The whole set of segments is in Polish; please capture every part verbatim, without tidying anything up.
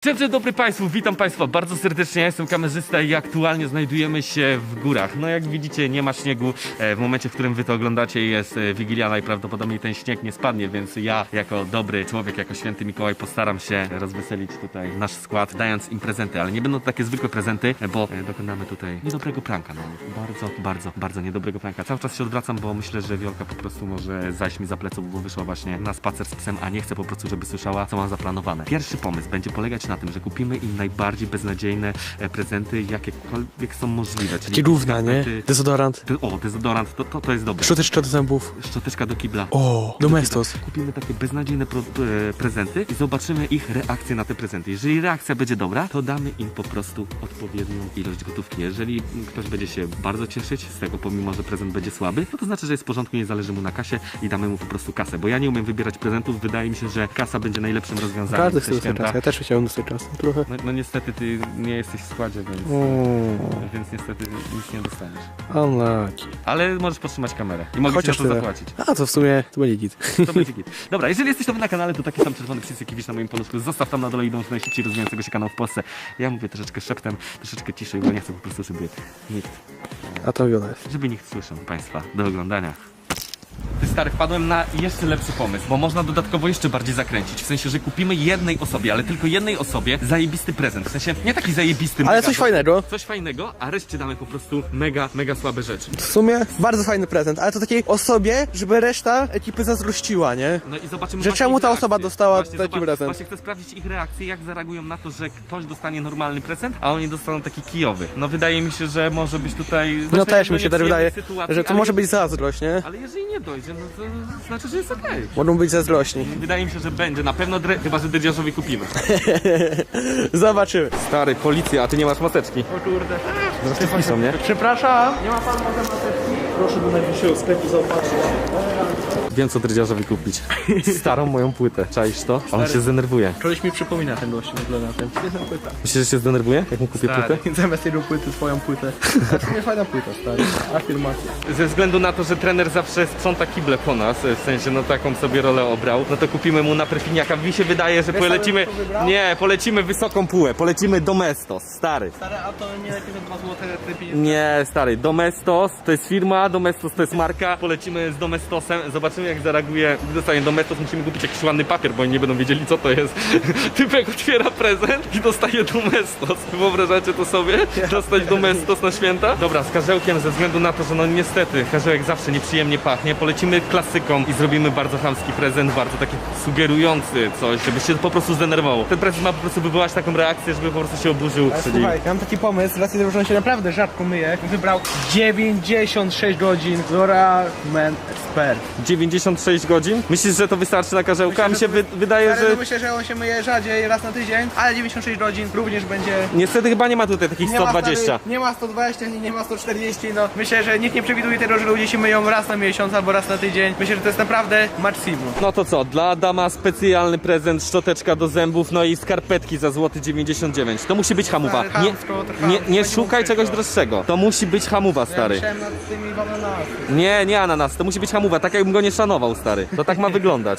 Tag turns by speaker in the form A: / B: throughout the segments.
A: Dzień dobry Państwu, witam Państwa bardzo serdecznie, ja jestem kamerzysta i aktualnie znajdujemy się w górach. No jak widzicie, nie ma śniegu, w momencie, w którym wy to oglądacie jest Wigilia, najprawdopodobniej ten śnieg nie spadnie, więc ja jako dobry człowiek, jako święty Mikołaj postaram się rozweselić tutaj nasz skład, dając im prezenty, ale nie będą to takie zwykłe prezenty, bo dokonamy tutaj niedobrego pranka, no bardzo, bardzo, bardzo niedobrego pranka. Cały czas się odwracam, bo myślę, że Wiolka po prostu może zajść mi za pleców, bo wyszła właśnie na spacer z psem, a nie chcę po prostu, żeby słyszała, co mam zaplanowane. Pierwszy pomysł będzie polegać na tym, że kupimy im najbardziej beznadziejne e, prezenty, jakiekolwiek są możliwe.
B: Takie równa, nie? Dezodorant.
A: De, o, dezodorant, to, to, to jest dobre.
B: Szczoteczka do zębów.
A: Szczoteczka do kibla.
B: O, Domestos.
A: Kupimy takie beznadziejne pro, e, prezenty i zobaczymy ich reakcję na te prezenty. Jeżeli reakcja będzie dobra, to damy im po prostu odpowiednią ilość gotówki. Jeżeli ktoś będzie się bardzo cieszyć z tego, pomimo że prezent będzie słaby, no to znaczy, że jest w porządku, nie zależy mu na kasie i damy mu po prostu kasę. Bo ja nie umiem wybierać prezentów, wydaje mi się, że kasa będzie najlepszym rozwiązaniem.
B: Każdy chce dostać czas. Ja też chciałem dostać czas. Trochę.
A: No, no niestety ty nie jesteś w składzie, więc,
B: Mm.
A: więc niestety nic nie dostaniesz.
B: Unlucky.
A: Ale możesz podtrzymać kamerę i mogę ci za to
B: tyle.
A: zapłacić.
B: A to w sumie to będzie git.
A: To będzie git. Dobra, jeżeli jesteś nowy na kanale, to taki sam czerwony przycisk, jaki widzisz na moim paluszku, zostaw tam na dole i dąż do najszybciej rozwijającego się kanału w Polsce. Ja mówię troszeczkę szeptem, troszeczkę ciszej, bo nie chcę po prostu, żeby nikt,
B: A to Wiola jest.
A: żeby nikt słyszał Państwa do oglądania. Ty stary, wpadłem na jeszcze lepszy pomysł, bo można dodatkowo jeszcze bardziej zakręcić. W sensie, że kupimy jednej osobie, ale tylko jednej osobie zajebisty prezent. W sensie, nie taki zajebisty,
B: Ale
A: mega,
B: coś fajnego.
A: Coś fajnego, a reszcie damy po prostu mega, mega słabe rzeczy.
B: W sumie bardzo fajny prezent, ale to takiej osobie, żeby reszta ekipy zazdrościła, nie?
A: No i zobaczymy
B: Że
A: właśnie
B: czemu
A: ich
B: ta
A: reakcję.
B: osoba dostała
A: Właśnie
B: taki
A: zobacz-
B: prezent.
A: Właśnie chcę sprawdzić ich reakcję, jak zareagują na to, że ktoś dostanie normalny prezent, a oni dostaną taki kijowy. No wydaje mi się, że może być tutaj...
B: No
A: znaczy,
B: też mi się
A: nieprzyjemnej
B: tak wydaje,
A: sytuacji,
B: że to
A: ale
B: może
A: je-
B: być zazdrość, nie?
A: Ale jeżeli nie dojdzie, no to znaczy, że jest okej.
B: Mogą być zazdrośni.
A: Wydaje mi się, że będzie. Na pewno, dre... chyba że dredziarzowi kupimy.
B: Zobaczymy.
A: Stary, policja, a ty nie masz maseczki.
B: O kurde.
A: Zaraz piszą, nie?
B: Przepraszam. Nie ma pan może maseczki? Proszę do najbliższego sklepu zobaczyć.
A: Wiem, co dredziarzowi kupić. Starą moją płytę. Czaisz to? On się zdenerwuje.
B: Koleś mi przypomina ten gość w ogóle na tym. Jedna płyta.
A: Myślisz, że się zdenerwuje, jak mu kupię płytę?
B: Zamiast jego płyty, swoją płytę. To nie fajna płyta, stary. Afirmacja.
A: Ze względu na to, że trener zawsze sprząta kible po nas, w sensie no taką sobie rolę obrał, no to kupimy mu na perfiniaka. Mi się wydaje, że polecimy...
B: co wybrał?
A: Nie, polecimy wysoką półę, polecimy Domestos, stary.
B: Stary, a to nie lepiej za dwa złote te pieniądze.
A: Nie, stary, Domestos to jest firma, Domestos to jest marka, polecimy z Domestosem, zobaczymy jak zareaguje, gdy dostanie Domestos, musimy kupić jakiś ładny papier, bo oni nie będą wiedzieli co to jest. Typek otwiera prezent i dostaje Domestos. Wyobrażacie to sobie? Dostać Domestos na święta? Dobra, z karzełkiem ze względu na to, że no niestety karzełek zawsze nieprzyjemnie pachnie, polecimy klasyką i zrobimy bardzo chamski prezent, bardzo taki sugerujący coś, żeby się po prostu zdenerwował. Ten prezent ma po prostu wywołać taką reakcję, żeby po prostu się oburzył.
B: Ale
A: Czyli...
B: słuchaj, ja mam taki pomysł, z racji tego, że on się naprawdę rzadko myje, wybrał dziewięćdziesiąt sześć godzin L'Oreal Men Expert.
A: dziewięćdziesiąt sześć godzin? Myślisz, że to wystarczy na karzełka? Mi się wy wydaje,
B: Ale
A: że...
B: myślę, że on się myje rzadziej, raz na tydzień, ale dziewięćdziesiąt sześć godzin również będzie...
A: Niestety chyba nie ma tutaj takich
B: Nie
A: sto
B: ma,
A: dwadzieścia.
B: stary, nie ma sto dwadzieścia, nie, nie ma sto czterdzieści, no myślę, że nikt nie przewiduje tego, że ludzie się myją raz na miesiąc albo raz na tydzień. Myślę, że to jest naprawdę maksimum.
A: No to co, dla Adama specjalny prezent, szczoteczka do zębów, no i skarpetki za złoty dziewięćdziesiąt dziewięć. To musi być hamuwa.
B: Stary,
A: Nie,
B: chamsko, to
A: nie,
B: chamsko,
A: nie
B: nie
A: szukaj
B: mów
A: czegoś
B: tego.
A: droższego. To musi być hamuwa, stary.
B: Ja myślałem nad tymi bananami.
A: Nie, nie ananas, to musi być hamuwa, tak jakbym go nie szanował, stary. To tak ma wyglądać.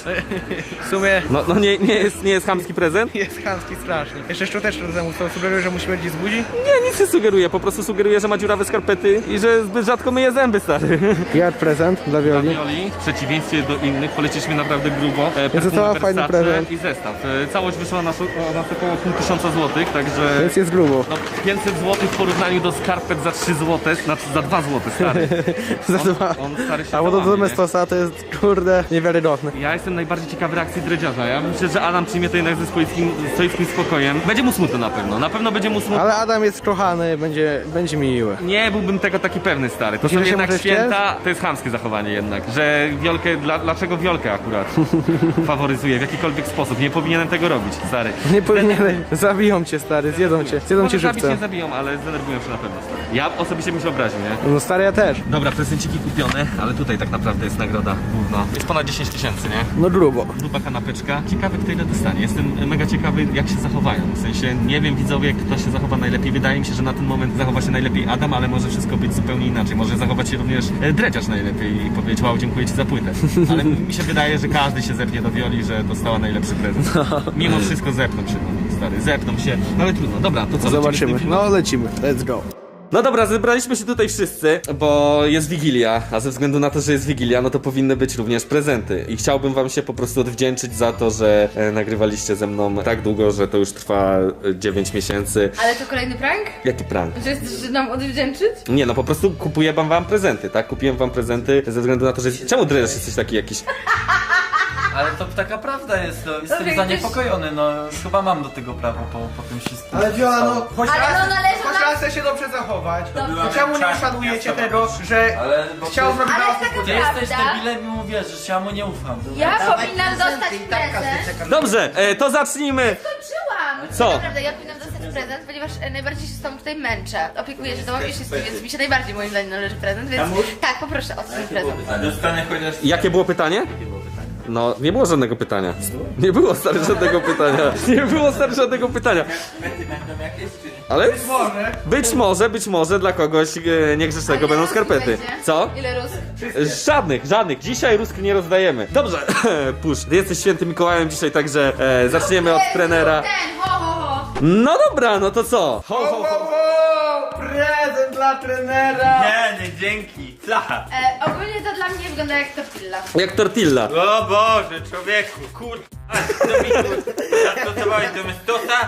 B: W sumie
A: No, no nie, nie, jest, nie jest chamski prezent?
B: jest chamski strasznie. Jeszcze szczoteczkę do zębów, to sugeruje, że musi być z budzi?
A: Nie, nic nie sugeruje, po prostu sugeruje, że ma dziurawe skarpety i że zbyt rzadko myje zęby, stary.
B: Ja prezent dla Wioli.
A: Ravioli, w przeciwieństwie do innych, poleciliśmy naprawdę grubo. E,
B: Więc
A: perfumy
B: to fajny
A: Versace
B: prezent.
A: i zestaw. E, całość wyszła na, na około pół tysiąca złotych, także
B: Więc jest grubo.
A: no, pięćset złotych w porównaniu do skarpet za trzy złote, znaczy za dwa złote, stary.
B: Za
A: On,
B: dwa.
A: on stary się
B: A bo do
A: załamie,
B: Domestosa to jest, kurde, niewiarygodne.
A: nie? Ja jestem najbardziej ciekawy reakcji dredziarza. Ja myślę, że Adam przyjmie to jednak ze swoim, swoim spokojem. Będzie mu smutno na pewno, na pewno będzie mu smutno.
B: Ale Adam jest kochany, będzie, będzie miły.
A: Nie byłbym tego taki pewny, stary. To
B: Myślisz,
A: są
B: że się
A: jednak
B: może
A: święta, to jest chamskie zachowanie jednak. Że Wiolkę, dla, dlaczego Wiolkę akurat faworyzuje w jakikolwiek sposób? Nie powinienem tego robić, stary.
B: Nie powinienem. Zabiją cię, stary, zjedzą cię. Zjedzą cię
A: Może zabić nie
B: żywcem.
A: zabiją, ale zdenerwują się na pewno, stary. Ja osobiście bym się obraził, nie?
B: No stary, ja też.
A: Dobra, prezenciki kupione, ale tutaj tak naprawdę jest nagroda główna. Jest ponad dziesięć tysięcy, nie?
B: No grubo.
A: Gruba kanapeczka. Ciekawy, kto ile dostanie. Jestem mega ciekawy, jak się zachowają. W sensie, nie wiem, widzowie, kto się zachowa najlepiej. Wydaje mi się, że na ten moment zachowa się najlepiej Adam, ale może wszystko być zupełnie inaczej. Może zachować się również e, dredziarz najlepiej i powiedzieć, wow, dziękuję ci za płytę. Ale mi się wydaje, że każdy się zepnie do Wioli, że dostała najlepszy prezent. Mimo wszystko zepną się do niej. stary, zepną się, ale trudno, dobra, to co?
B: Zobaczymy.
A: lecimy z tym filmem?
B: No lecimy, let's go.
A: No dobra, zebraliśmy się tutaj wszyscy, bo jest Wigilia, a ze względu na to, że jest Wigilia, no to powinny być również prezenty. I chciałbym wam się po prostu odwdzięczyć za to, że e, nagrywaliście ze mną tak długo, że to już trwa e, dziewięć miesięcy.
C: Ale to kolejny prank?
A: Jaki prank?
C: Że chcesz nam odwdzięczyć?
A: Nie, no po prostu kupuję wam, wam prezenty, tak? Kupiłem wam prezenty ze względu na to, że... Czemu Dreżesz jesteś taki jakiś...
D: Ale to taka prawda jest, no, jestem
C: Dobrze,
D: zaniepokojony, no chyba mam do tego prawo po, po tym wszystkim.
B: Ale Viola, no choć
C: Ale
B: raz,
C: no należy
B: choć
C: nam-
B: raz chce się dobrze zachować.
C: Dobrze.
B: To czemu nie uszanujecie tego, że
D: Ale bo
B: chciał
D: ty,
B: zrobić
C: Ale
B: dla
C: jest
B: was
C: taka
D: ty
B: niespodziankę?
D: jesteś
C: Prawda?
D: debilem i mu wierzysz, ja mu nie ufam.
C: Ja powinnam dostać prezent.
A: Dobrze, e, to zacznijmy.
C: Skończyłam!
A: Co?
C: Naprawdę, ja powinnam dostać prezent, ponieważ e, najbardziej się z tobą tutaj męczę. Opiekuję się tobą i wszystkim, więc mi się najbardziej moim zdaniem należy prezent, więc tak, poproszę o ten prezent.
E: Dostanę chociaż...
A: Jakie było pytanie? No, nie było żadnego pytania. Nie było stary żadnego pytania. Nie było stary żadnego pytania.
E: Będą jakieś czy nie?
A: Ale
B: Może.
A: być może, być może dla kogoś e, niegrzecznego będą skarpety. Co?
C: Ile rósł?
A: Żadnych, żadnych. Dzisiaj rusk nie rozdajemy. Dobrze, pusz. Ty jesteś świętym Mikołajem dzisiaj, także e, zaczniemy od trenera.
C: Ten, ho, ho, ho.
A: No dobra, no to co? Ho,
B: Ho,
A: ho,
B: ho,
A: ho.
B: ho! Prezent dla trenera!
E: Nie, nie, dzięki. Fla.
C: E, ogólnie to dla mnie wygląda jak tortilla.
A: Jak tortilla.
E: O Boże, człowieku, kur... A, co mi tu... Zastosowałeś do mestosa?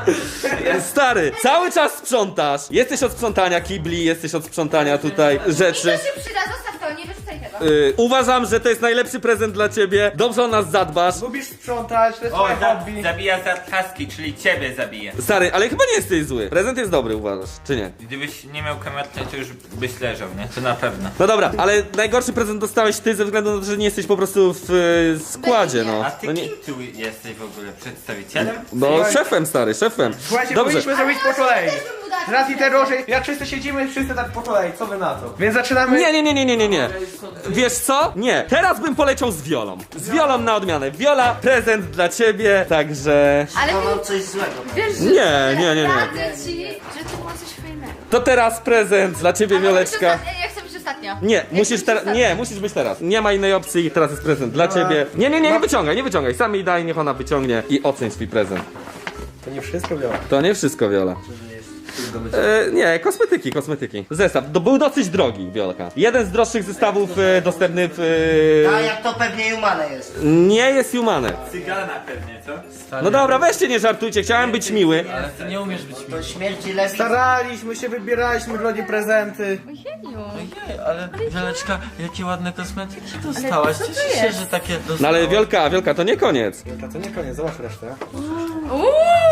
A: Stary, cały czas sprzątasz. Jesteś od sprzątania kibli, jesteś od sprzątania tutaj
C: I
A: rzeczy.
C: to się przyda, zostaw to, nie wyrzucaj tego.
A: Y, uważam, że to jest najlepszy prezent dla ciebie. Dobrze o nas zadbasz.
B: Lubisz sprzątać, to jest
E: O,
B: twoje
E: za,
B: hobby.
E: zabija zatkaski, czyli ciebie zabija.
A: Stary, ale chyba nie jesteś zły. Prezent jest dobry, uważasz, czy nie?
E: Gdybyś nie miał kamerki, to już byś leżał, nie? To na pewno.
A: No dobra, ale najgorszy prezent dostałeś ty ze względu na to, że nie jesteś po prostu w y, składzie, no.
E: A ty
A: No, nie,
E: kim tu jesteś w ogóle? Przedstawicielem?
A: no szefem, stary, szefem.
B: Słuchajcie,
A: Dobrze.
B: powinniśmy zrobić po kolei.
C: Też bym mu dać
B: Z racji
C: prezent.
B: tego, że jak wszyscy siedzimy, wszyscy tak po kolei, co wy na to? Więc zaczynamy...
A: Nie, nie, nie, nie, nie, nie, nie. Wiesz co? Nie. Teraz bym poleciał z Wiolą. Z Wiolą na odmianę. Wiola, prezent dla ciebie, także...
C: Ale
F: Mam
C: ty,
F: coś złego.
C: wiesz, że
A: Nie, nie, nie, nie.
C: radzę ci, że to było coś fajnego.
A: To teraz prezent dla ciebie, Wioleczka.
C: Ja chcę być ostatnio.
A: Nie,
C: Ja
A: musisz
C: chcę być
A: teraz.
C: ostatnio.
A: Nie, musisz być teraz. Nie ma innej opcji. Teraz jest prezent dla ciebie. Nie, nie, nie, nie wyciągaj, nie wyciągaj. Sam jej daj, niech ona wyciągnie i oceń swój prezent.
B: To nie wszystko biorę.
A: To nie wszystko, Wiola. E, nie, kosmetyki, kosmetyki. Zestaw. To był dosyć drogi, Wiolka. Jeden z droższych zestawów e, dostępny w.
F: A
A: E,
F: jak to pewnie Humane jest.
A: nie jest humane.
E: Cygana pewnie, co?
A: No dobra, weźcie, nie żartujcie, chciałem być miły.
D: Ale ty nie umiesz być
F: To śmierci lepiej.
B: Staraliśmy się, wybieraliśmy dla niej prezenty.
C: Ojeju.
D: Ojej, ale Wieleczka, jakie ładne kosmetyki dostałaś.
C: co to
D: Cieszę się,
C: jest?
D: że takie dostałaś.
A: No ale Wiolka, Wiolka, to nie koniec.
B: To co nie koniec, zobacz resztę.
C: Uuu,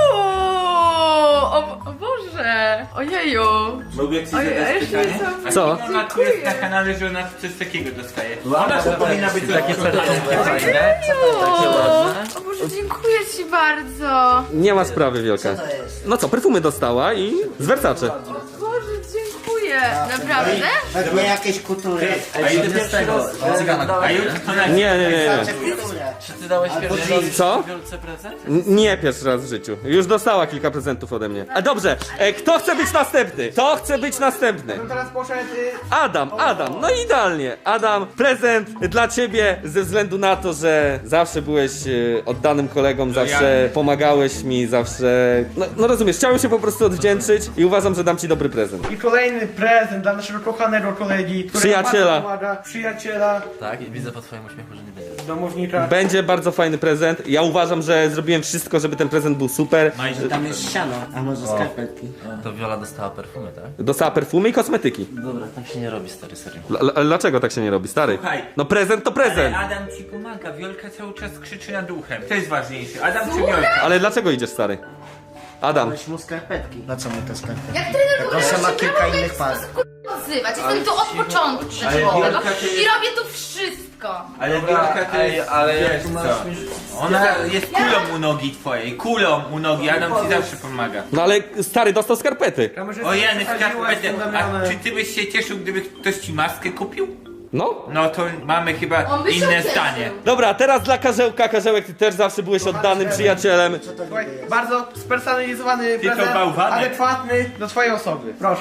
C: o, o Boże. Ojeju.
E: Mogę ci
C: Oj, a
E: zadać
C: jeszcze
E: pytanie?
C: są-
E: A
A: Co?
E: kim ona tu jest na kanale, że ona coś takiego dostaje? Ona to powinna być
D: Takie serduszki fajne. Takie
C: O,
D: ładne.
C: o Boże, dziękuję ci bardzo.
A: Nie ma sprawy, Wiolka.
F: Co to jest?
A: No co, perfumy dostała i z wersaczy.
C: O Boże, dziękuję. Naprawdę?
F: Pewnie jakieś kultury.
E: A ile
D: Z tego, cygana.
E: A już to na...
A: Nie, nie, nie, nie.
F: Znaczy kulturę.
D: Czy ty dałeś pierwszy raz
A: Co?
D: Wiolce prezent?
A: N- Nie pierwszy raz w życiu. Już dostała kilka prezentów ode mnie. A dobrze, e, kto chce być następny? Kto chce być następny?
B: No teraz poszedł... Y...
A: Adam, Adam, no idealnie. Adam, prezent dla ciebie ze względu na to, że zawsze byłeś e, oddanym kolegą, zawsze pomagałeś mi, zawsze... No, no rozumiesz, chciałem się po prostu odwdzięczyć i uważam, że dam ci dobry prezent.
B: I kolejny prezent dla naszego kochanego kolegi, który
A: Przyjaciela.
B: nam bardzo pomaga. Przyjaciela,
D: Tak, i widzę po twoim uśmiechu, że nie będzie.
B: domownika.
A: Będzie bardzo fajny prezent. Ja uważam, że zrobiłem wszystko, żeby ten prezent był super.
F: Tam jest siano, a może skarpetki.
D: To Wiola dostała perfumy, tak?
A: Dostała perfumy i kosmetyki.
D: Dobra, tak się nie robi, stary, serio.
A: L- l- dlaczego tak się nie robi, stary?
E: Słuchaj.
A: No prezent to prezent.
E: Ale Adam ci pomaga, Wiolka cały czas krzyczy nad uchem. To jest ważniejsze. Adam czy Wiolka?
A: Ale dlaczego idziesz, stary? Adam.
F: Dałeś mu skarpetki. Na co mu te skarpetki?
C: Jak trener w ogóle
F: Proszę, ma
C: się
F: kilka
C: prawo w
F: innych
C: jakiś
F: par.
C: sposób, kurwa, odzywać. Jestem tu od początku
E: Ale
C: przeszkolnego
E: Wielka to jest-
C: i robię tu wszystko.
E: Ale Wiolka to jest...
D: ale
E: wiesz
D: jak tu
E: co?
D: masz mi...
E: Ona jest kulą u nogi twojej, kulą u nogi, Adam ci zawsze pomaga.
A: No ale stary dostał skarpety.
B: Kamerzysta
E: O Jany,
B: wysadziłaś
E: skarpetę.
B: tą
E: A
B: Damianę.
E: czy ty byś się cieszył, gdyby ktoś ci maskę kupił?
A: No.
E: No to mamy chyba
C: On by się
E: inne
C: cieszył.
E: zdanie.
A: Dobra, teraz dla Karzełka. Karzełek, ty też zawsze byłeś oddanym przyjacielem.
F: Co to
B: Słuchaj,
F: niby jest?
B: bardzo spersonalizowany
E: Tylko
B: prezent,
E: bałwanek.
B: adekwatny do twojej osoby. Proszę.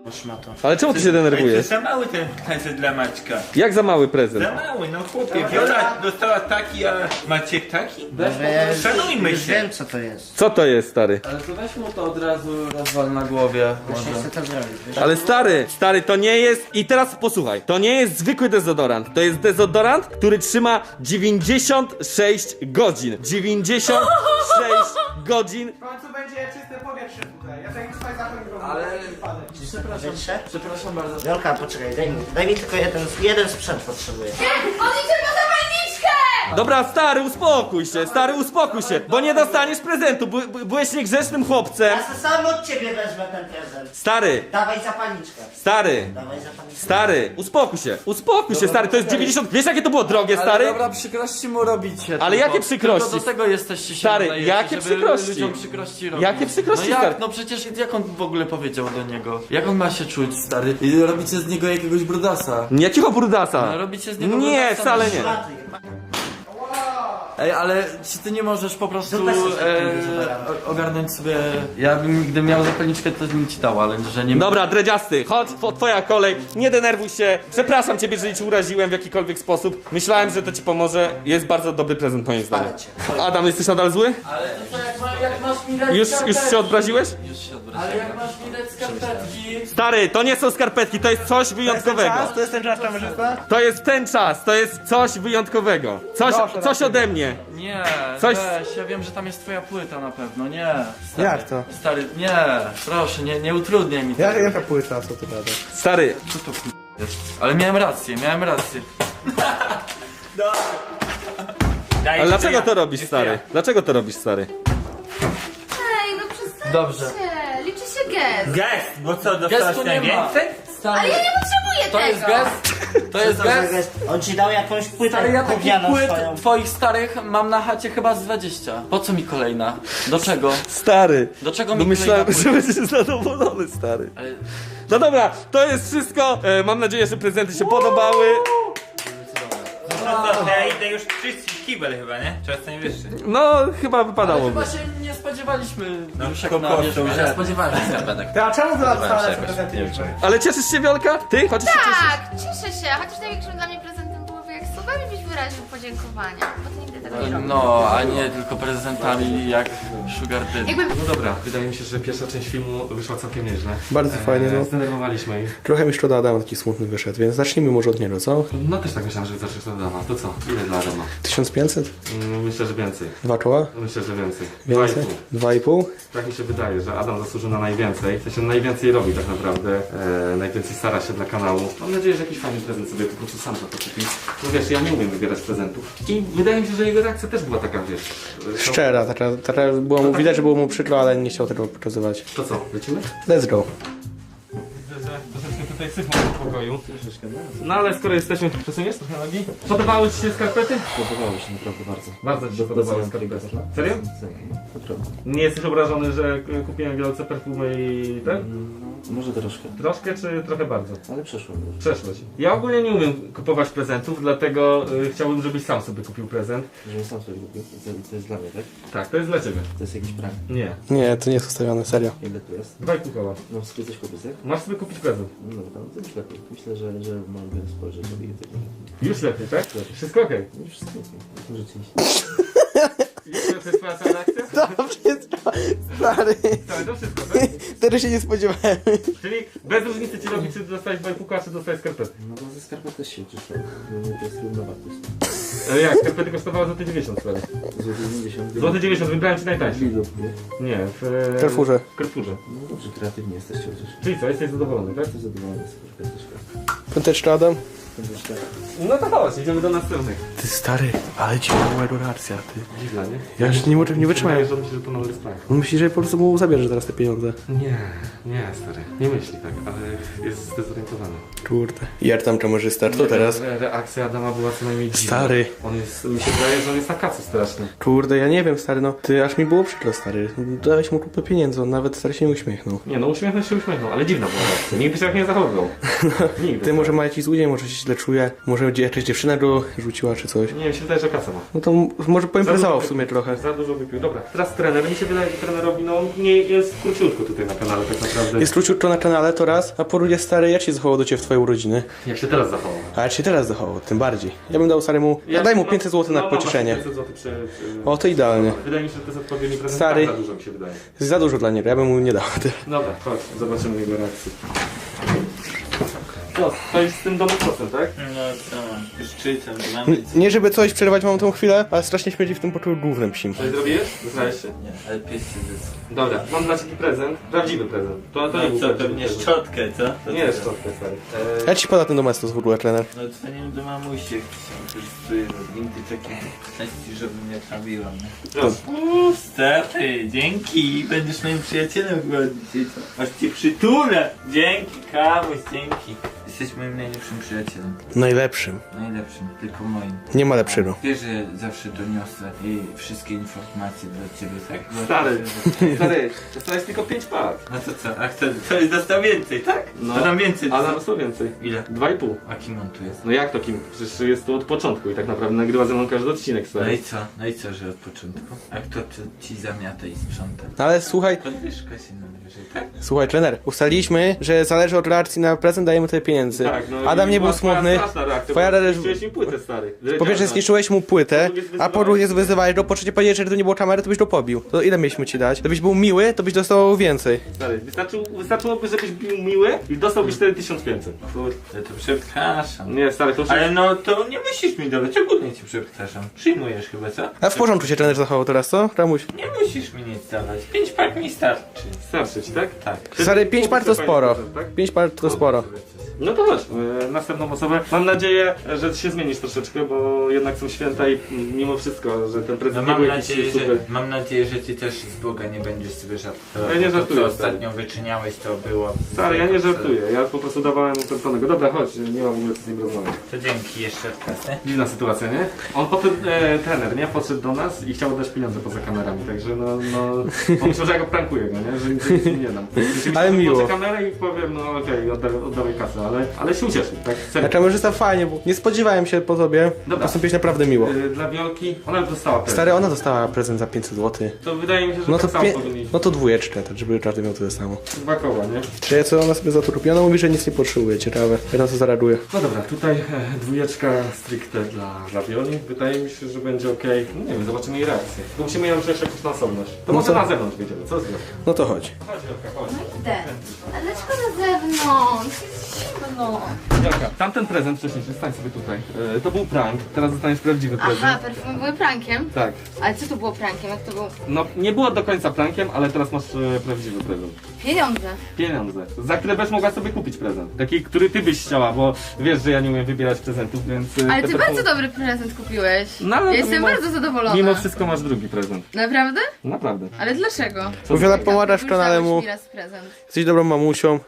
F: Szmato.
A: Ale czemu ty się denerwujesz?
E: To za mały ten prezent dla Maćka.
A: Jak za mały prezent?
E: Za mały, no chłopie. Wiola dostała taki, a Maciek taki?
F: Może ja już,
E: Szanujmy
F: już
E: się.
F: wiem co to jest.
A: Co to jest, stary?
D: Ale to weź mu to od razu rozwal na głowie.
F: Właśnie
D: Może.
F: chcę to zrobić, wiesz?
A: Ale stary, stary, to nie jest... I teraz posłuchaj, to nie jest zwykły dezodorant. To jest dezodorant, który trzyma dziewięćdziesiąt sześć godzin. dziewięćdziesiąt sześć godzin.
B: W końcu będzie czyste powietrze tutaj. Ja tak tutaj zapomnę.
D: Ale... Przepraszam,
F: Wytrze?
D: przepraszam bardzo.
F: Wiolka, poczekaj, daj mi, daj mi tylko jeden, jeden sprzęt potrzebuję.
C: Nie, on idzie po zapalniczkę!
A: Dobra, stary, uspokój się, stary, uspokój się, bo nie dostaniesz prezentu. By, by, byłeś niegrzecznym chłopcem.
F: Ja se sam od ciebie wezmę ten prezent.
A: Stary,
F: Dawaj zapalniczkę.
A: stary,
F: Dawaj zapalniczkę.
A: stary, uspokój się, uspokój się, stary, to jest dziewięćdziesiąt... Wiesz, jakie to było drogie,
D: Ale
A: stary?
D: dobra, przykrości mu robicie.
A: Ale
D: tylko-
A: jakie przykrości?
D: Tylko do tego jesteście się
A: Stary,
D: nadajecie,
A: jakie
D: żeby
A: przykrości?
D: ludziom przykrości robić.
A: Jakie przykrości,
D: No
A: stary?
D: jak? No przecież jak on w ogóle powiedział do niego? Jak on ma się czuć, stary? I robicie z niego jakiegoś brudasa.
A: Jakiego brudasa?
D: No, robicie z niego
A: Nie,
D: brudasa,
A: wcale
D: no.
A: nie.
F: Szmaty.
D: Ej, ale czy ty nie możesz po prostu
F: Dupę sobie
D: e,
F: zabrałem.
D: o- ogarnąć sobie... Ja bym, gdybym miał zapalniczkę, to bym ci dał, ale że nie...
A: Dobra, dredziasty, chodź, two- twoja kolej, nie denerwuj się. Przepraszam ciebie, jeżeli ci uraziłem w jakikolwiek sposób. Myślałem, że to ci pomoże. Jest bardzo dobry prezent, moim zdaniem. Adam, jesteś nadal zły?
D: Ale to co, jak, ma, jak masz mi dać
A: Już, już
D: skarpetki?
A: się odbraziłeś?
D: Już się odbraziłem. Ale jak masz mi dać skarpetki...
A: Stary, to nie są skarpetki, to jest coś wyjątkowego.
B: To jest ten czas kamerzysta?
A: To jest ten czas, to jest coś wyjątkowego. Coś,
B: Proszę,
A: coś ode mnie.
D: Nie,
A: Coś-
D: weź, ja wiem, że tam jest twoja płyta na pewno, nie. Stary,
B: Jak to?
D: Stary, nie, proszę, nie, nie utrudniaj mi
B: Jak,
D: tego.
B: jaka płyta, co ty gadasz?
A: Stary,
D: Co to k***, jest? Ale miałem rację, miałem rację.
E: Daj,
A: ale dlaczego
E: ja.
A: to robisz, stary? Dlaczego to robisz, stary?
C: Ej, no przestańcie.
D: Dobrze.
C: Liczy się gest.
E: Gest, bo co, dostałaś
D: Gestu nie ma.
E: najwięcej?
D: Stary,
C: Ale ja nie potrzebuję
D: to
C: tego.
D: jest gest? To jest
F: Co za
D: gest?
F: gest? On ci dał jakąś płytę
D: Stary, ja takich
F: gównianą
D: płyt
F: swoją.
D: twoich starych mam na chacie chyba z dwadzieścia. Po co mi kolejna? Do czego?
A: Stary.
D: Do czego
A: No
D: mi
A: myślałem,
D: kolejna
A: że
D: płyta?
A: będziesz zadowolony, stary.
D: Ale...
A: No dobra, to jest wszystko. E, mam nadzieję, że prezenty się podobały.
E: No to ja idę już czyścić kibel chyba, nie? Czas najwyższy.
A: No, chyba
D: Ale
A: wypadałoby.
D: chyba się nie spodziewaliśmy
E: No,
D: już jak
E: po
D: na
E: prostu,
D: wierzchu,
E: że-
D: nie spodziewałem się skarpetek.
B: Ty, a czemu wy dostała te prezenty?
A: Ale cieszysz się, Wiolka? Ty? Chociaż się cieszysz?
C: Tak, cieszę się. Chociaż największym dla mnie prezentem byłoby, jak słowami byś wyraził podziękowania. Bo ty nigdy tego nie robisz.
D: No, a nie tylko prezentami jak Sugar Daddy.
C: Jakby...
A: No dobra, wydaje mi się, że pierwsza część filmu wyszła całkiem nieźle.
B: Bardzo fajnie, no.
A: Zdenerwowaliśmy ich.
B: Trochę mi szkoda Adama taki smutny wyszedł, więc zacznijmy może od niego, co?
A: No też tak myślałem, że zaczniesz od Adama. To co? Ile dla Adama?
B: tysiąc pięćset?
A: Mm, Myślę, że więcej.
B: Dwa czoła?
A: Myślę, że więcej. Dwa i
B: Więcej?
A: pół.
B: Dwa i pół?
A: Tak mi się wydaje, że Adam zasłużył na najwięcej. W sensie najwięcej robi tak naprawdę. E, najwięcej stara się dla kanału. Mam nadzieję, że jakiś fajny prezent sobie po prostu sam za to kupi. No wiesz, ja nie umiem wybierać prezentów. I wydaje mi się, że jego reakcja też była taka, wiesz...
B: Szczera, taka, taka było mu widać, że było mu przykro, ale nie chciał tego pokazywać.
A: To co, lecimy?
B: Let's go.
A: Widzę, że troszeczkę tutaj syfą w pokoju. No ale skoro jesteśmy, przesuniesz trochę nogi? Podobały Ci się skarpety?
G: Podobało mi się naprawdę bardzo.
A: Bardzo Ci się podobały skarpety. Serio?
G: Naprawdę.
A: Nie jesteś obrażony, że k- kupiłem wielce perfumy i ten?
G: Może troszkę,
A: Troszkę czy trochę bardzo?
G: ale przeszło mi już.
A: Przeszło Ci. Ja ogólnie nie umiem kupować prezentów, dlatego y, chciałbym, żebyś sam sobie kupił prezent.
G: Żebym sam sobie kupił. To, to jest dla mnie, tak?
A: Tak, to jest dla Ciebie.
G: To jest jakiś prank.
A: Nie.
B: Nie, to nie jest ustawione, serio.
G: Ile tu jest?
A: Dwa i pół koła.
G: No sobie coś kupić, tak?
A: Masz sobie kupić prezent.
G: No dobra, no to już lepiej. Myślę, że, że mogę spojrzeć sobie i tego.
A: Już lepiej, tak? Wszystko okej.
G: No już wszystko okej. No rzeczywiście.
A: Okay. To jest Twoja cała reakcja?
B: Dobrze, stary.
A: Całe to wszystko, tak?
B: Tego się nie spodziewałem.
A: Czyli bez różnicy Ci robi, czy dostałeś dwa i pół koła, czy dostałeś skarpety.
G: No bo ze skarpet też się ciszę. No to jest równowartość.
A: Ale jak? Skarpety kosztowały złoty dziewięćdziesiąt, stary.
G: Złoty dziewięćdziesiąt.
A: Złoty dziewięćdziesiąt, wybrałem Ci najtańszy.
G: Lidl, nie?
A: Nie, w...
B: W Carrefourze.
A: W Carrefourze.
G: No dobrze, kreatywnie jesteście chociaż.
A: Czyli co, jesteś zadowolony, tak?
G: Jestem zadowolony z tego też.
B: Piąteczka, Adam?
G: Też tak.
A: No to chodź, idziemy do następnych.
B: Ty stary, ale ci była reakcja, ty.
A: Dziwna, nie?
B: Ja już nie, nie, nie wytrzymałem.
A: Wydaje, że on myśli, że to nowy sprawa.
B: On myśli, że po prostu mu zabierze teraz te pieniądze.
A: Nie, nie, stary. Nie myśli tak, ale jest zdezorientowany.
B: Kurde. Jak tam kamerzysta? To teraz?
A: Re reakcja Adama była co najmniej dziwna.
B: Stary.
A: On jest, mi się wydaje, że on jest na kacu straszny.
B: Kurde, ja nie wiem, stary, no. Ty, aż mi było przykro, stary. Dałeś mu kupę pieniędzy, on nawet, stary, się nie uśmiechnął.
A: Nie no, uśmiechnął się, uśmiechnął, ale dziwna była reakcja. Nigdy się tak nie zachowywał. Nigdy.
B: Ty może ma jakiś zły dzień, może się źle źle czuje. Może będzie jakaś dziewczyna go rzuciła czy coś.
A: Nie wiem, się wydaje, że kasę ma.
B: No to m- może poimprezował w sumie trochę.
A: Za dużo wypił. Dobra, teraz trener. Mi się wydaje, że trenerowi, no nie jest króciutko tutaj na kanale tak naprawdę.
B: Jest króciutko na kanale to raz, a po drugie stary, jak się zachował do ciebie w twojej urodziny?
A: Jak się teraz zachował?
B: A jak się teraz zachował, tym bardziej. Ja bym dał staremu, ja daj mu pięćset złotych na
A: no,
B: pocieszenie.
A: pięćset złotych przy, przy...
B: O, to idealnie.
A: Wydaje mi się, że to jest odpowiedni prezent.
B: Stary.
A: Tak, za dużo mi się wydaje.
B: Za dużo dla niego, ja bym mu nie dał.
A: Dobra, chodź, zobaczymy jego reakcję. Co, to jest z tym domem procent, tak?
E: No co, już czytam, mamy...
B: Nie żeby coś przerwać mam tą chwilę, ale strasznie śmierdzi w tym poczuł głównym psim.
A: Coś zrobiłeś? Znałeś się?
E: Nie, ale pies się zyska.
A: Dobra, mam dla ciebie prezent. Prawdziwy prezent. To, to nie
E: No
A: był
E: co,
A: prawdziwy
E: pewnie
A: prezent.
E: szczotkę, co? To
A: Nie
E: co?
A: jest szczotkę, stary. Eee,
B: Jak ci pada ten domestos w ogóle, trener?
E: No dzwoniłem do mamusi, jak się korzystuje z windy takiej części, żeby mnie trawiła.
A: proszę.
E: Uuu, stary, dzięki, będziesz moim przyjacielem chyba dzisiaj, co? Aż cię przytulę! Dzięki, Kamuś, dzięki. Jesteś moim najlepszym przyjacielem.
B: Najlepszym.
E: Najlepszym, tylko moim.
B: Nie ma lepszego.
E: Wiesz, że zawsze doniosę i wszystkie informacje dla ciebie, tak? Bo-
A: Stary, stary, dostałeś tylko pięć par.
E: No to co, a kto, to jest dostał więcej, tak?
A: No.
E: To tam więcej.
A: A nam co więcej?
E: Ile?
A: Dwa i pół.
E: A kim on tu jest?
A: No jak to kim? Przecież jest tu od początku i tak naprawdę nagrywa ze mną każdy odcinek,
E: No
A: stary.
E: i co? No i co, że od początku? A kto ci- ci zamiata i sprząta?
B: No ale słuchaj,
E: Podwyżka się najwyżej, tak?
B: słuchaj trener, ustaliliśmy, że zależy od reakcji na prezent, dajemy tyle pieniędzy.
A: Tak, no
B: Adam
A: i
B: nie był
A: była twoja
B: smutny.
A: straszna reakcja,
B: Twoja
A: bo
B: reakcja-
A: zniszczyłeś mi płytę, stary.
B: Po pierwsze zniszczyłeś mu płytę, a po drugie wyzywałeś go, po trzecie powiedziałeś, że gdyby nie było kamery, to byś go pobił. To ile mieliśmy ci dać? Gdybyś był miły, to byś dostał więcej.
A: Stary, wystarczył, wystarczyłoby, żebyś był miły i dostałbyś wtedy tysiąc pięćset.
E: Kurde, to przepraszam.
A: Nie, stary, to już...
E: Ale no to nie musisz mi dawać, ogólnie ci przepraszam. Przyjmujesz chyba, co?
B: A w porządku się trener zachował teraz, co? Ramuś.
E: Nie musisz mi nic dawać. Pięć pak mi starczy.
A: Starczy ci, tak?
E: Tak.
B: Stary, pięć par to
A: Fajny
B: sporo.
A: prezent, tak?
B: Pięć par to sporo.
A: No to chodź, e, następną osobę. Mam nadzieję, że się zmienisz troszeczkę, bo jednak są święta i mm, mimo wszystko, że ten
E: No
A: prezent nie
E: mam,
A: był jakiś
E: nadzieję,
A: super.
E: że, mam nadzieję, że ty też z Boga nie będziesz sobie żartował.
A: Ja nie
E: To,
A: żartuję,
E: co
A: stary.
E: ostatnio wyczyniałeś, to było...
A: Stary, ja nie żartuję, ja po prostu dawałem pewnego. Dobra, chodź, nie mam w ogóle co z nim rozmawiać.
E: To dzięki jeszcze raz, nie?
A: Dziwna sytuacja, nie? On potem, e, trener, nie? Podszedł do nas i chciał dać pieniądze poza kamerami, także no, no... Pomyślał, że ja go prankuję, no nie? Że nic, że nic mi nie dam.
B: Ale miło.
A: Poza kamerę i powiem, no okej, oddawaj, oddawaj kasę, ale, ale się ucieszył, tak?
B: A
A: Serio.
B: kamerzysta fajnie, bo nie spodziewałem się po tobie.
A: Dobra.
B: Postąpiłeś naprawdę miło.
A: E, Dla Wiolki, ona już dostała prezent.
B: Stary, ona dostała prezent za pięćset złotych.
A: To wydaje mi się, że
B: No to,
A: tak samo
B: pie...
A: powinni.
B: no to dwójeczkę, tak żeby każdy miał tyle samo.
A: Dwa koła, nie?
B: Czy co ona sobie za to robi? Ona mówi, że nic nie potrzebuje, ciekawe. Ja na to zareaguję.
A: No dobra, tutaj e, dwójeczka stricte dla, dla Wioli. Wydaje mi się, że będzie ok. No nie wiem, zobaczymy jej reakcję. To musimy ją przejść jakąś na osobność. To
B: No
A: może
B: to-
A: na zewnątrz wyjdziemy, co z nią?
B: No to chodź.
A: Chodź Wiolka, chodź.
C: Idę. A dlaczego na zewnątrz? Jest zimno.
A: Wiolka, tamten prezent wcześniejszy, stań sobie tutaj. E, to był prank, teraz dostaniesz prawdziwy prezent.
C: Aha, perfumy były prankiem.
A: Tak.
C: Ale co to było prankiem? Jak to było?
A: No nie było do końca prankiem, ale teraz masz e, prawdziwy prezent.
C: Pieniądze.
A: Pieniądze, za które będziesz mogła sobie kupić prezent. Taki, który ty byś chciała, bo wiesz, że ja nie umiem wybierać prezentów, więc... e,
C: Ale
A: te
C: ty
A: perfumy-
C: bardzo dobry prezent kupiłeś.
A: No, ale
C: Ja
A: to
C: jestem
A: mimo-
C: bardzo zadowolona.
A: Mimo wszystko masz drugi prezent.
C: Naprawdę?
A: Naprawdę.
C: Ale dlaczego?
B: Bo Wiola pomagasz w
C: Już
B: kanale
C: dałeś
B: mu.
C: mi raz prezent.
B: Jesteś dobrą mamusią.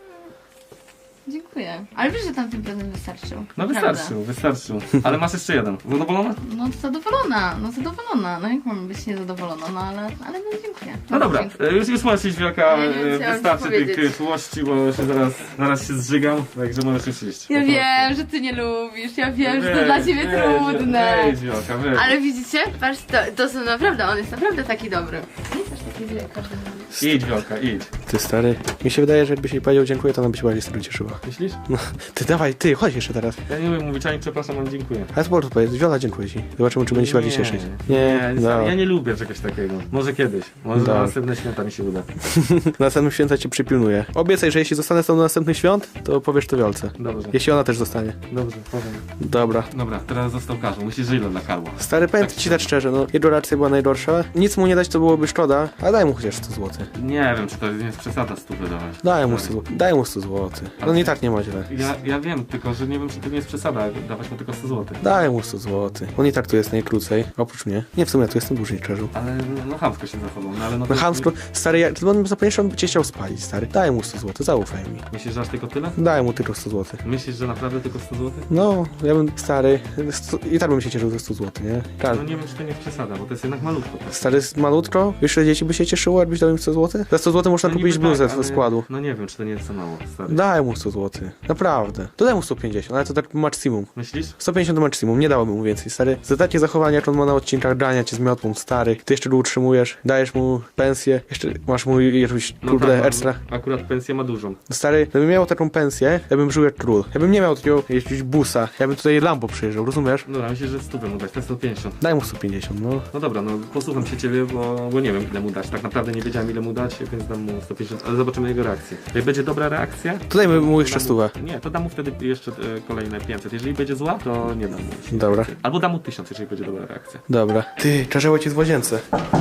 C: Dziękuję. Ale wiesz, że tamten prezent wystarczył.
A: No
C: Prawda.
A: wystarczył, wystarczył. Ale masz jeszcze jeden. Zadowolona?
C: No zadowolona, no zadowolona. No jak mam być niezadowolona? No ale, ale no dziękuję.
A: No dobra,
C: Dziękuję.
A: e, już, już możesz iść Wielka,
C: Ja nie wiem,
A: e,
C: co ja mam
A: wystarczy
C: ci
A: tych
C: powiedzieć.
A: e, czułości, bo się zaraz, zaraz się zżygam, także możesz już iść.
C: Ja
A: Po
C: wiem, że ty nie lubisz, ja wiem, że to
A: Weź,
C: dla ciebie
A: weź,
C: trudne.
A: Weź Wielka, weź.
C: Ale widzicie? Patrz, to, to są naprawdę, on jest naprawdę taki dobry. Nie jest aż taki źle, jak każdy mówi.
A: Idź Wielka, idź.
B: Ty stary. Mi się wydaje, że jakbyś jej powiedział dziękuję, to ona by się bardziej z tego cieszyła.
A: Myślisz?
B: No, ty dawaj, ty, chodź jeszcze teraz.
A: Ja nie umiem mówić ani przepraszam, ani dziękuję.
B: Ale sport powiedz, Wiola dziękuję ci. Zobaczymy, czy będzie się bardziej cieszyć.
A: Nie,
B: Nie,
A: nie,
B: no.
A: ja nie lubię czegoś takiego. Może kiedyś, może
B: Dobra.
A: na następne święta mi się uda.
B: Na następnym święta cię przypilnuję. Obiecaj, że jeśli zostanę z tobą do następnych świąt, to powiesz to Wiolce.
A: Dobrze,
B: Jeśli ona też zostanie.
A: dobrze, powiem.
B: Dobra.
A: Dobra, teraz został Karol. Myślisz, że ile dla Karła?
B: Stary, powiem ci tak szczerze, no jego reakcja była najgorsza. Nic mu nie dać to byłoby szkoda, ale daj mu chociaż sto złotych.
A: Nie wiem, czy to nie jest przesada stu wydawać.
B: Daj mu sto, daj mu sto złotych. No i tak nie ma źle.
A: Ja, ja wiem, tylko że nie wiem, czy to nie jest przesada, dawać mu tylko sto złotych.
B: Daj mu sto złotych. On i tak tu jest najkrócej, oprócz mnie. Nie, w sumie ja tu jestem dłużej, Czerzu.
A: Ale no, no chamsko się zachował, no ale no
B: No
A: to-
B: chamsko, stary, jak gdyby on zapomniał, on by cię chciał spalić, stary. Daj mu sto złotych, zaufaj mi.
A: Myślisz, że aż tylko tyle?
B: Daj mu tylko sto złotych.
A: Myślisz, że naprawdę tylko sto złotych?
B: No, ja bym, stary, sto, i tak bym się cieszył ze sto złotych, nie? Tak.
A: No nie wiem, czy to nie jest przesada, bo to jest jednak malutko.
B: Stary, jest malutko, jeszcze dzieci by by się cieszyło, jakbyś dał im sto złotych? Za sto złotych można
A: No
B: kupić
A: niby
B: bluzę
A: tak,
B: ze
A: ale-
B: składu.
A: No nie wiem, czy to nie jest za mało, stary.
B: Daj mu sto złotych. Naprawdę. To daj mu sto pięćdziesiąt, ale to tak maksimum.
A: Myślisz?
B: sto pięćdziesiąt to maksimum, nie dałoby mu więcej, stary. Za takie zachowanie, jak on ma na odcinkach, grania cię z miotłą, stary. Ty jeszcze go utrzymujesz, dajesz mu pensję, jeszcze masz mu jakąś, kurde,
A: tak,
B: ekstra.
A: Akurat pensję ma dużą.
B: Stary, gdybym miał taką pensję, ja bym żył jak król. Ja bym nie miał takiego jakiegoś busa, ja bym tutaj Lambo przyjeżdżał, rozumiesz?
A: Dobra, myślę, że stówę mu dać, to sto pięćdziesiąt.
B: Daj mu sto pięćdziesiąt, no.
A: No dobra, no posłucham się ciebie, bo, bo nie wiem ile mu dać. Tak naprawdę nie wiedziałem ile mu dać, więc dam mu sto pięćdziesiąt, ale zobaczymy jego reakcję. Jak będzie dobra reakcja...
B: To dajmy mu
A: to
B: jeszcze
A: dam
B: stówę.
A: Nie, to dam mu wtedy jeszcze e, kolejne pięćset. Jeżeli będzie zła, to nie dam mu.
B: Dobra,
A: Albo dam mu tysiąc, jeżeli będzie dobra reakcja.
B: dobra. Ty, czarzeło ci w łazience.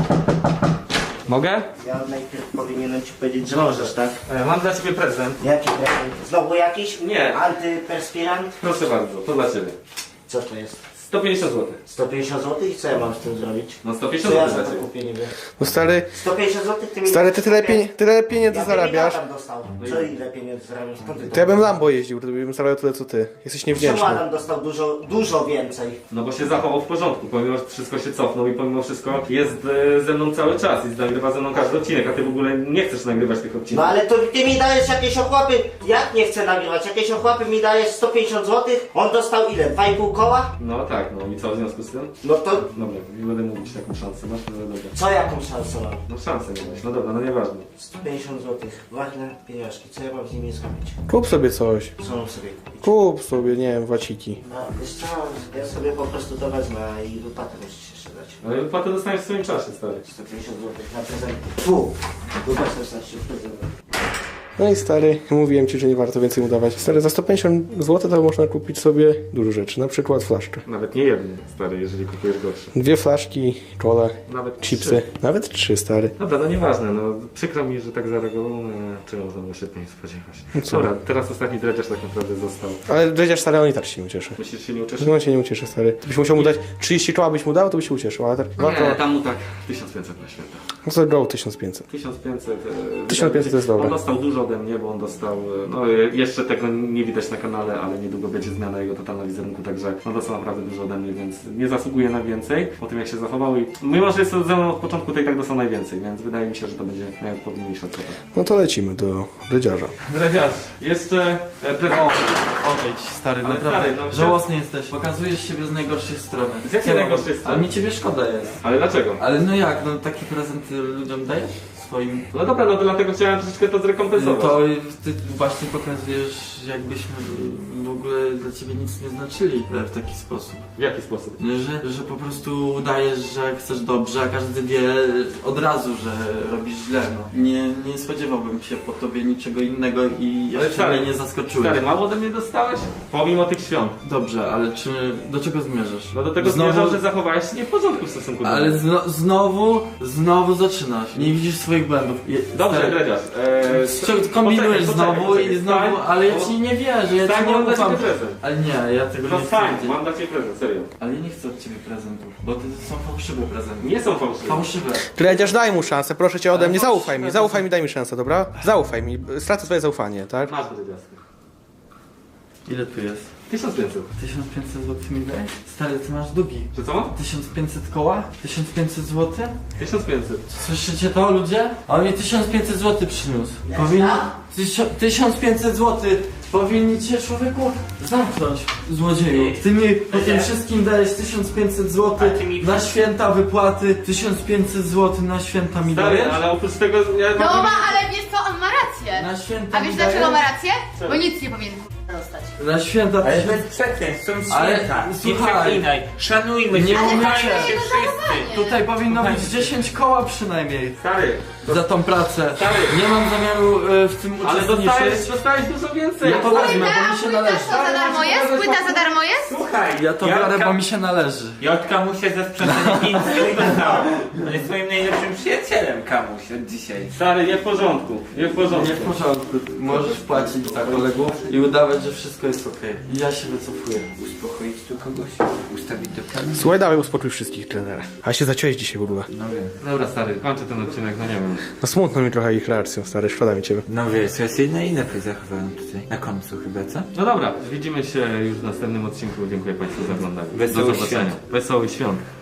A: Mogę?
F: Ja najpierw powinienem ci powiedzieć, że możesz, tak?
A: E, mam dla ciebie prezent.
F: Jaki prezent? Znowu jakiś?
A: Nie.
F: Antyperspirant?
A: Proszę bardzo, to dla ciebie.
F: Co to jest?
A: sto pięćdziesiąt złotych.
F: sto pięćdziesiąt złotych i co ja mam z tym zrobić?
A: No sto
F: Co
A: pięćdziesiąt
F: ja
A: złotych
F: za
A: dla
F: to
A: ciebie.
F: kupię niby?
B: No stary,
F: sto pięćdziesiąt złotych ty mi...
B: stary, ty tyle, pieni- tyle pieniędzy
F: Ja
B: zarabiasz.
F: tam dostał. Co ile pieniędzy zarabiasz? Skąd ty
B: To ja bym Lambo jeździł, to bym zarabiał tyle co ty. Jesteś
F: Czemu
B: niewdzięczny.
F: Adam dostał dużo, dużo więcej?
A: No bo się zachował w porządku, pomimo że wszystko się cofnął i pomimo wszystko jest e, ze mną cały czas i nagrywa ze mną każdy odcinek, a ty w ogóle nie chcesz nagrywać tych
F: No
A: odcinków.
F: ale to ty mi dajesz jakieś ochłapy, jak nie chcę nagrywać, jakieś ochłapy mi dajesz sto pięćdziesiąt złotych, on dostał ile? dwa i pół koła?
A: No tak, no i co w związku z tym?
F: No to
A: Dobra, nie będę mówić taką szansę, masz? No dobra.
F: co jaką szansę mam?
A: No szansę nie masz, no dobra, no nieważne.
F: sto pięćdziesiąt złotych, ważne pieniążki, co ja mam z nimi zrobić?
B: Kup sobie coś.
F: Co mam sobie kupić?
B: Kup sobie, nie wiem, waciki.
F: No wiesz co, ja sobie po prostu to wezmę i wypłatę musisz jeszcze dać.
A: Ale wypłatę dostaniesz w swoim czasie, stary.
F: sto pięćdziesiąt złotych na prezent. Fu! Wypłatę dostać w prezent.
B: No i stary, mówiłem ci, że nie warto więcej mu dawać. Stary, za sto pięćdziesiąt złotych to można kupić sobie dużo rzeczy, na przykład flaszkę.
A: Nawet nie jedny, stary, jeżeli kupujesz gorsze.
B: Dwie flaszki, kole,
A: Nawet
B: chipsy.
A: trzy.
B: Nawet trzy, stary.
A: Dobra, no nieważne, no przykro mi, że tak zareagował, no, czego można się nie spodziewać.
B: No co?
A: Dobra, teraz ostatni dredziarz tak naprawdę został.
B: Ale dredziarz, stary, on i tak się nie ucieszy.
A: Myślisz, że się nie ucieszy?
B: No on się nie ucieszy, stary. Byś musiał mu dać trzydzieści koła, byś mu dał, to by się ucieszył, ale tak dwa
A: Nie,
B: koła.
A: tam mu tak tysiąc pięćset na święta.
B: No to go tysiąc pięćset.
A: tysiąc pięćset. e,
B: tysiąc pięćset to jest dobre.
A: On dostał dużo ode mnie, bo on dostał, e, no e, jeszcze tego nie widać na kanale, ale niedługo będzie zmiana jego totalna wizerunku, także on dostał naprawdę dużo ode mnie, więc nie zasługuje na więcej po tym jak się zachował i mimo, że jest to ze mną od początku, to i tak dostał najwięcej, więc wydaje mi się, że to będzie najodpowiedniejsza kwota.
B: No to lecimy do dredziarza.
A: Dredziarz, jeszcze e, prezent.
D: Odejdź, stary,
A: Ale
D: naprawdę.
A: stary, no,
D: Żałosny jesteś. Pokazujesz siebie z najgorszej strony.
A: Z jakiej
D: Co
A: najgorszej
D: mam-
A: strony?
D: Ale mi ciebie szkoda jest.
A: Ale dlaczego?
D: Ale no jak, no taki prezent ty ludziom dajesz? Swoim...
A: No dobra, no to dlatego chciałem troszeczkę to zrekompensować.
D: To ty właśnie pokazujesz, jakbyśmy w ogóle dla ciebie nic nie znaczyli w taki sposób.
A: W jaki sposób?
D: Że, że po prostu udajesz, że chcesz dobrze, a każdy wie od razu, że robisz źle. No. Nie, nie spodziewałbym się po tobie niczego innego i
A: Ale
D: jeszcze
A: stary,
D: mnie nie zaskoczyłeś.
A: Stary, mało ode mnie dostałeś? Pomimo tych świąt.
D: Dobrze, ale czy do czego zmierzasz?
A: No do tego
D: Znowu-
A: zmierzał, że zachowałeś się nie w porządku w stosunku do
D: Ale
A: mnie.
D: zno, znowu, znowu zaczynasz. Nie widzisz swoich błędów. Je,
A: Dobrze,
D: stary,
A: Dredziarz. Eee,
D: Cio- Kombinujesz
A: poczekaj,
D: znowu
A: poczekaj,
D: i znowu,
A: stań,
D: ale ja
A: bo-
D: ci nie wierzę, ja
A: stań,
D: ci nie
A: mam dla
D: ufam.
A: ciebie prezent.
D: Ale nie, ja tego
A: To
D: nie chcę
A: stań,
D: wiedzieć.
A: mam dla ciebie prezent, serio.
D: Ale ja nie chcę od ciebie prezentów, bo to są fałszywe prezenty.
A: Nie są fałszywe.
D: Fałszywe.
B: Dredziarz, daj mu szansę, proszę cię ode
D: Ale
B: mnie,
D: to
B: zaufaj
D: się-
B: mi, zaufaj mi, daj mi szansę, dobra? Zaufaj mi, stracę swoje zaufanie, tak?
A: Masz Dredziarz.
D: Ile tu jest?
A: tysiąc pięćset.
D: tysiąc pięćset złotych mi dajesz? Stary, ty masz długi.
A: Czy co mam?
D: tysiąc pięćset koła? tysiąc pięćset złotych?
A: tysiąc pięćset.
D: Słyszycie to, ludzie? On mi tysiąc pięćset złotych przyniósł. Powinni... Tysio... tysiąc pięćset złotych powinni cię, człowieku, zamknąć, złodzieju. Ty mi po tym wszystkim dajesz tysiąc pięćset złotych na święta wypłaty. tysiąc pięćset złotych na święta mi
A: Stary,
D: dajesz?
A: ale oprócz tego... Ja
C: No
A: mam-
C: ma, ale wiesz co, on ma rację.
D: Na święta
C: A
D: mi
C: wiesz dlaczego
D: dajesz?
C: ma rację? Bo nic nie powinien dostać.
D: Na święta...
E: Ale bez przekleństw, są
D: Ale,
E: święta. Nie
D: słuchaj.
E: przeklinaj. Szanujmy
D: Nie
E: się,
C: Ale
D: mówię,
E: kochajmy
C: dlaczego
E: się
C: jego
E: wszyscy.
C: zachowanie?
D: Tutaj powinno być dziesięć koła przynajmniej
A: Stary,
D: za tą pracę.
A: Stary.
D: Nie mam zamiaru e, w tym
A: ale
D: uczestniczyć.
A: dostałeś, dostałeś dużo więcej.
D: Ja to wezmę, bo mi się
C: Płyta
D: należy.
C: co za darmo jest? Płyta za darmo jest?
E: Słuchaj,
D: Ja to biorę,
E: Jotka-
D: bo mi się należy.
E: Jotka mu się ze sprzątaniem nic nie dostał. On jest swoim najlepszym przyjacielem, Kamuś, od dzisiaj.
A: Stary, nie w porządku. Nie w porządku.
D: Nie w porządku. Możesz płacić za kolegów i udawać, że wszystko jest okej. I ja się wycofuję.
E: Uspokoić tu kogoś, ustawić do planu.
B: Słuchaj, dawaj uspokój wszystkich, trenera. A się zaciąłeś dzisiaj w ogóle.
E: No wiem.
A: Dobra, stary, kończę ten odcinek, no nie wiem.
B: No smutno mi trochę ich reakcją, stary, szkoda mi ciebie.
E: No wiesz, ja się na inaczej zachowałem tutaj. Na końcu chyba, co?
A: No dobra, widzimy się już w następnym odcinku. Dziękuję Państwu za oglądanie.
E: Wesołych
A: Do zobaczenia.
E: świąt.
A: Wesołych świąt.